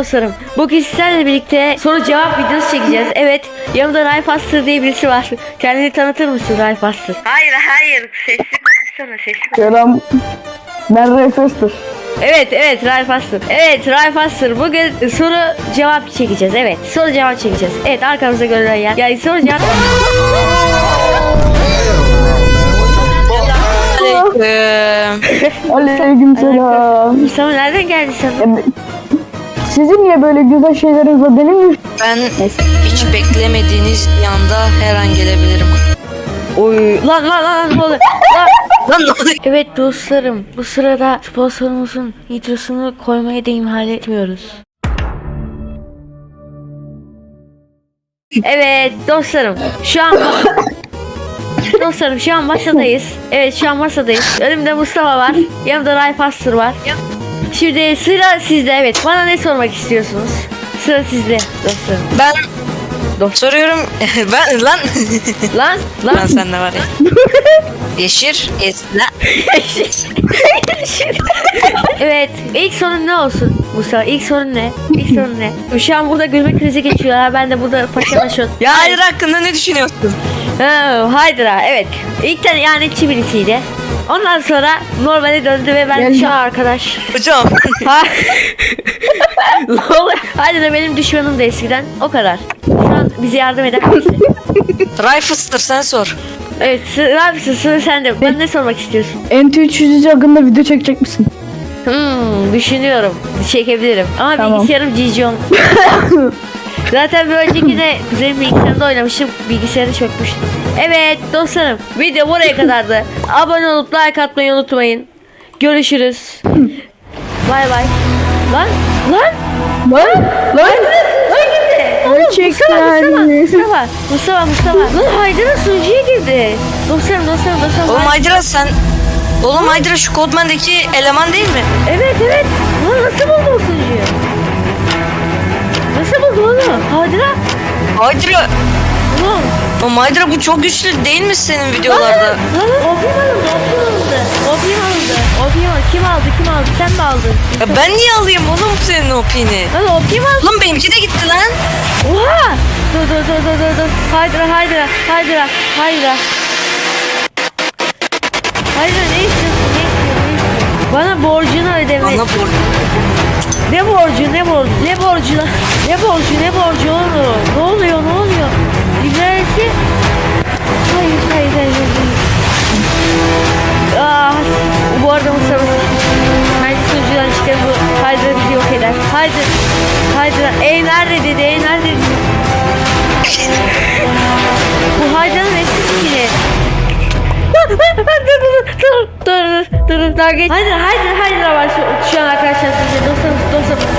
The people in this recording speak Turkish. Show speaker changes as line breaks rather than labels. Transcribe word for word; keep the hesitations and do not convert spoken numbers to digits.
dostlarım. Bugün sizlerle birlikte soru cevap videosu çekeceğiz. Evet, yanımda Ralf Aster diye birisi var. Kendini tanıtır mısın Ralf Aster?
Hayır hayır sesli konuşsana sesli konuş.
Selam. Ben Ralf Aster.
Evet evet Ralf Aster. Evet Ralf Aster, bugün soru cevap çekeceğiz. Evet, soru cevap çekeceğiz. Evet, arkamıza görülen yer. Yani soru cevap.
Aleyküm selam.
Mustafa nereden geldi sen?
Sizin niye böyle güzel şeyleriniz var benim mi?
Ben hiç beklemediğiniz bir anda her an gelebilirim.
Oy lan lan lan ne oluyor? Lan.
Lan ne oluyor?
Evet dostlarım, bu sırada sponsorumuzun nitrosunu koymaya da ihmal etmiyoruz. Evet dostlarım, şu an dostlarım şu an masadayız. Evet, şu an masadayız. Önümde Mustafa var, yanımda Ralf Aster var. Şimdi sıra sizde. Evet, bana ne sormak istiyorsunuz? Sıra sizde dostlarım.
Ben soruyorum. Ben lan
Lan lan.
lan sen ne var ya? Yeşir esna.
Evet, ilk sorun ne olsun Mustafa? İlk sorun ne? İlk sorun ne? Şu an burada gülme krizi geçiyorlar. Ben de burada paşalaşıyorum.
Ya hayır hakkında ne düşünüyorsun?
Ha, Haydra, evet. İlk tane ihanetçi birisiydi. Ondan sonra normale döndü ve ben
Geldi.
şu an arkadaş.
Hocam.
Ha. Ne oluyor? Haydra benim düşmanım da eskiden. O kadar. Şu an bize yardım eden birisi.
Riflester sen sor.
Evet, sıra, sıra, sıra sende. Ben ne sormak istiyorsun?
N T üç yüz hakkında video çekecek misin?
Hmm, düşünüyorum. Çekebilirim. Ama
Tamam.
bilgisayarım Cijon. Zaten bir önceki de kuzenim bilgisayarında oynamıştım. Bilgisayarı çökmüştüm. Evet dostlarım, video buraya kadardı. Abone olup like atmayı unutmayın. Görüşürüz. Bay bay. Lan lan
Lan! Lan!
lan girdi.
Gerçekten.
Mustafa Mustafa Mustafa. Lan Haydara sunucuya girdi. Dostlarım dostlarım dostlarım.
Oğlum Haydra sen. Oğlum Haydra şu Codman'daki eleman değil mi?
Evet evet. Lan nasıl buldu o sunucuyu? Nasıl buldu onu? Haydara.
Haydra.
Lan.
Oğlum Haydra bu çok güçlü değil mi senin videolarda?
Lan opim alındı, opim alındı. Opim alındı. Opim alındı. Kim aldı, kim aldı? Sen mi aldın?
Ya ben niye alayım oğlum senin opini?
Lan opim aldı.
Lan benimki de gitti lan.
Oha! Dur dur dur dur dur dur. Haydra, Haydra, Haydra, Haydra. Haydra ne istiyorsun? Ne istiyorsun? Ne istiyorsun? Bana borcunu ödeme.
Bana vur.
Ne borcu, ne borcu, ne borcu lan? Ne borcu, ne borcu oğlum? Ne oluyor, ne oluyor? İlerisi... Hayır, hayır, hayır, hayır. Ah, bu arada Mustafa Haydi sunucudan çıkar bu. Haydra bizi yok eder. Haydi. Haydra. Ey nerede dedi. Ey nerede dedi. Bu Haydra'nın eski skini. Dur dur dur dur dur dur dur daha geç. Haydra Haydra Haydra var şu, şu an arkadaşlar size dostlarım dostlarım